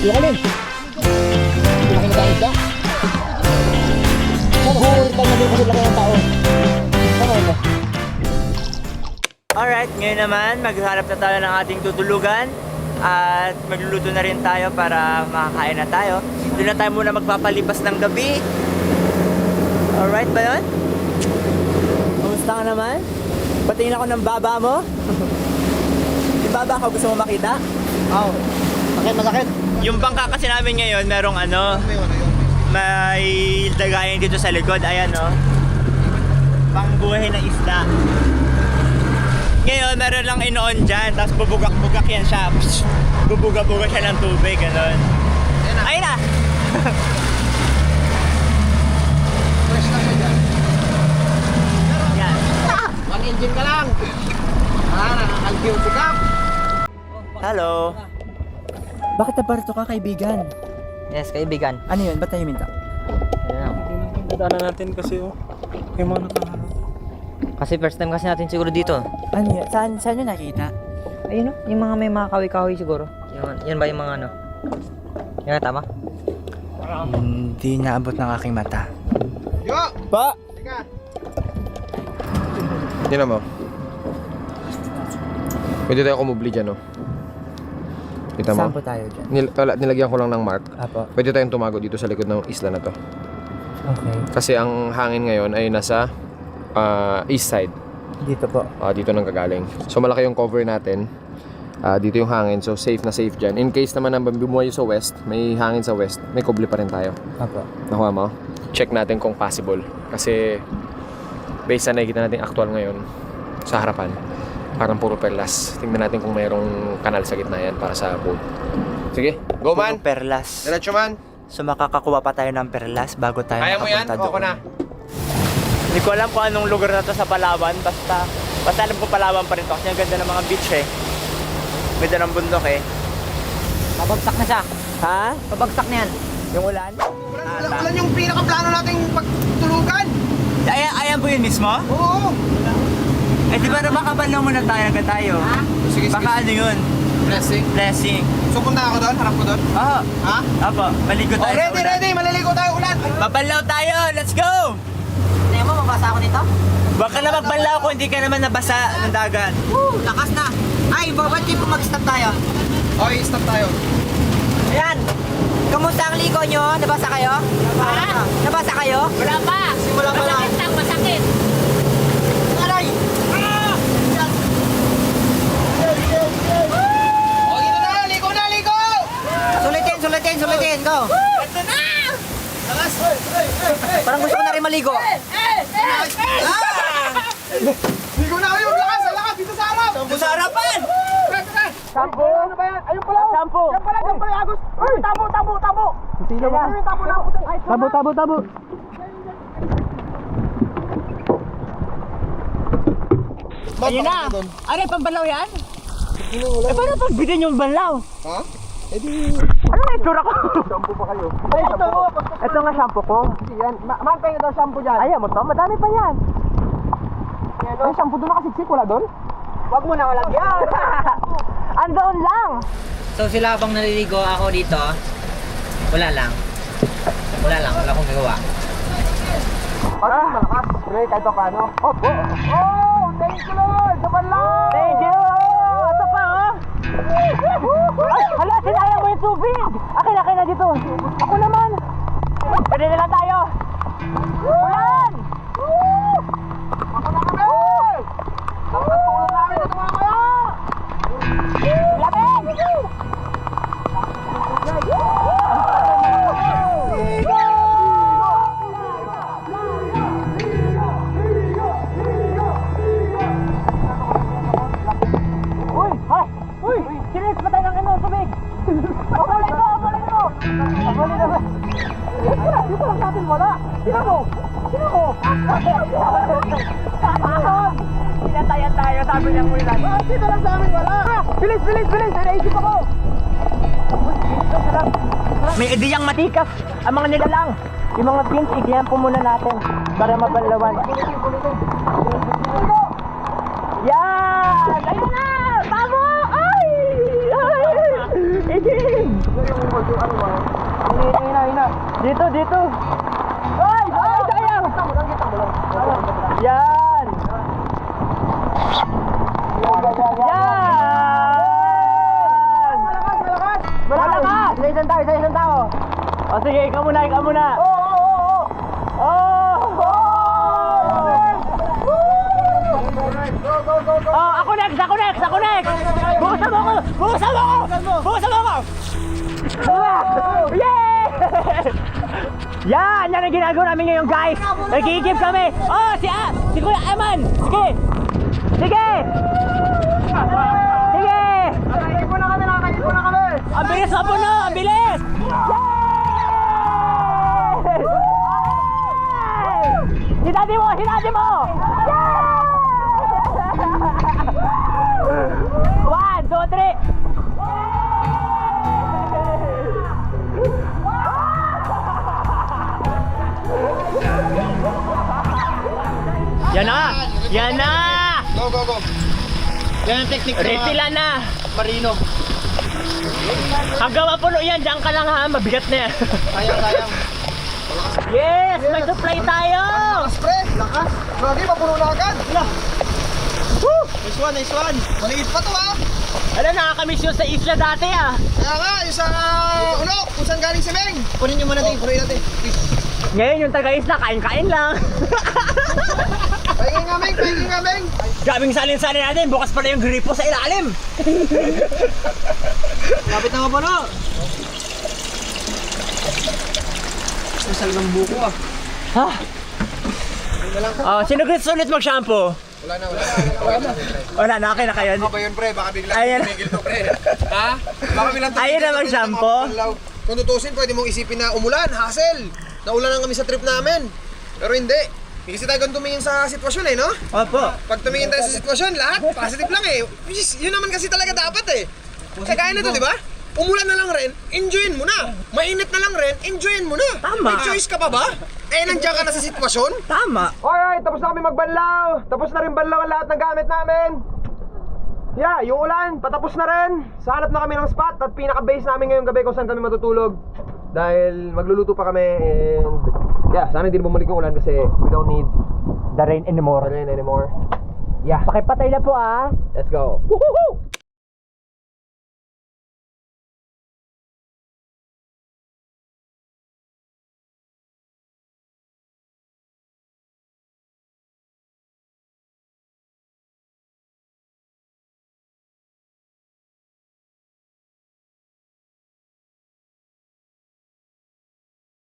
Yung alin? Hindi na kinagayos ka? Nag-uulit lang na din kasi laki ng tao. Ano ito? Alright, ngayon naman maghanap na tayo ng ating tutulugan at magluluto na rin tayo para makakain na tayo. Doon na tayo muna magpapalipas ng gabi. Alright ba yun? Kamusta ka naman? Patingin ako ng baba mo. Yung baba ko gusto mo makita? Oo. Masakit. Yung bangka kasi namin ngayon merong may dagayan dito sa likod. Ayan o. Pangbuhay na isda. Ngayon, meron lang inoon dyan, tapos bubugak-bugak yan siya. Bubuga-buga siya ng tubig, gano'n. Ayun na! Fresh na siya dyan. Yan. One engine ka lang. Nakakalkiw si Cap. Hello. Bakit nabarito ka, kaibigan? Yes, kaibigan. Ano yun? Ba't tayo minta? Dadaanan natin kasi yung mga nakaharap. Kasi first time kasi natin siguro dito. Ano yun? Saan yun nakita? Ayun yung mga may mga kawi-kawi siguro. Yan ba yung mga ano? Yan tama? Hindi naabot ng aking mata. Yo! Pa! Teka. Tignan mo. Pwede tayo kumubli dyan, no? Kita mo? Saan po tayo dyan? Nilagyan ko lang ng mark. Apo. Pwede tayong tumago dito sa likod ng isla na to. Okay. Kasi ang hangin ngayon ay nasa east side. Dito po. Dito nang gagaling. So malaki yung cover natin. Dito yung hangin. So safe na safe dyan. In case naman na bumuhay sa west, may hangin sa west, may kubli pa rin tayo. Apo. Nakuha mo? Check natin kung possible. Kasi based sa nakikita natin actual ngayon sa harapan, parang puro perlas. Tingnan natin kung mayroong kanal sa gitna yan para sa boat. Sige, go man! Puro perlas. Diretso man! So makakakuha pa tayo ng perlas bago tayo Kaya mo yan? makapunta doon. Ako na. Hindi ko alam kung anong lugar na to sa Palawan. Basta alam ko Palawan pa rin to. Kasi ang ganda ng mga beach eh. Ganda ng bundok eh. Pabagsak na siya. Ha? Pabagsak na yan. Yung ulan? Ulan yung pinaka-plano nating pagtulugan. Ayan po yun mismo? Oo. Eh di ba makabalaw muna tayo agad tayo? Sige, Baka ano yun? Blessing. Blessing. So punta ako doon? Harap ko doon? Oo. Ha? Apo, maligo Oh, tayo sa ready, ulan. ready. Maliligo tayo ulan. Mabalaw tayo! Let's go! Tingnan mo, mabasa ako nito? Baka na magbalaw kung hindi ka naman nabasa ng dagat. Lakas na. Ay, ba't di po mag-stop tayo? Okay, stop tayo. Ayan. Kamusta ang ligo nyo? Nabasa kayo? Ha? Nabasa kayo? Wala pa. Simula pa lang. Masakit lang, masakit. Aray! Oh, dito na! Ligo na! Ligo! Sulitin. Go. Ito na! Lakas! Parang gusto ko na rin maligo. Ligo na kayo! Lakas! Lakas! Dito sa harap! Sa harapan! Sampo! Ano ba yan? Ayun pala! Sampo! Yan pala! Agos! Uy! Tabo! Sino ba? Ayun, tabo na! Tabo! Ayun na! Ano yung pambalaw yan? Eh paano pag bitin yung balaw? Ha? Ano na itsura ko? Shampoo pa kayo. Ay, ito nga shampoo ko. Yan. Man, kayo daw shampoo dyan. Ayaw mo to? Madami pa yan. Ay, shampoo doon nakasiksik. Wala doon? Wag mo na walang yan. Andoon lang. So sila habang naliligo ako dito, wala lang. Wala akong gagawa. Malakas. Pre, kahit pa paano. Oh! Thank you Lord! Sa panlaw! Thank you! Ito pa oh! Ay, hala, sinayang mo yung tubig! Akin na dito! Ako naman! Pwede na lang tayo! Ulan! Ako na kami! Dapat tulong namin ito mga kaya! Lamig! Uy! Sinis pa tayo ng tubig! Abulin mo! Dito lang natin wala! Sino mo? Sinatayan tayo, sabi niya ulan. Dito lang sa amin wala! Bilis! May naisip ako! May ideyang matikas ang mga nilalang. Yung mga pins, igyan po muna natin para mabalawan. Yan! Ayun na! Tamo! Ay! Iging! Dito, dito. Ay, sayang. Yan. Yan. Malakas. Sa isang tao. O sige, ikaw muna. Oh, ako next. Bukasan mo ako. Yeah! Yan ang ginagawa namin ngayon, guys. Nagigib kami. Oh, si Kuya Eman. Sige. Nakaikip na kami. Ang bilis na puno, ang bilis. Hinati mo. Yeah! 1, 2, 3. Yan na! Go. Yan ang technique Refilan na! Marino. Hanggang mapuno yan, diyan ka lang ha, mabigat na yan. Sayang. Yes! May supply tayo! Pre, lakas. Lagi, mapuno na agad. Woo! Nice one. Maliit pa to ha. Ano, nakakamiss yun sa isla dati ah. Kaya nga, yung sa Unok, kung saan galing si Meng. Kunin nyo muna din, punuin natin. Ngayon yung taga-isla, kain-kain lang. Pahingin nga, Meng. Grabing salin-salin natin, bukas pala yung gripo sa ilalim. Lapit na mapuno. Masal ng buko ah. Ha? Oh, sino gusto ulit mag-shampoo? Wala na, okay na kayo. Ano ba yun, pre? Baka biglang Ayan. tumigil to, pre. Ha? Baka biglang Ayun na mag-shampoo. Kung tutusin, pwede mong isipin na umulan, hassle. Naulan kami sa trip namin. Pero hindi. Hindi kasi tayo ganun tumingin sa sitwasyon eh, no? Opo. Pag tumingin tayo sa sitwasyon, lahat positive lang eh. Which is, yun naman kasi talaga dapat eh. Kaya na to, di ba? Umulan na lang rin, enjoyin mo na. Mainit na lang rin, enjoyin mo na. Tama. May choice ka pa ba? Eh, nandiyan ka na sa sitwasyon. Tama. Alright, tapos na kami magbanlaw. Tapos na rin banlaw ang lahat ng gamit namin. Yeah, yung ulan, patapos na rin. Sahanap na kami ng spot at pinaka-base namin ngayong gabi kung saan kami matutulog. Dahil magluluto pa kami and yeah, sana hindi na bumalik yung ulan kasi we don't need The rain anymore. rain anymore. Yeah, Pakipatay na po ah. let's go. Woohoo!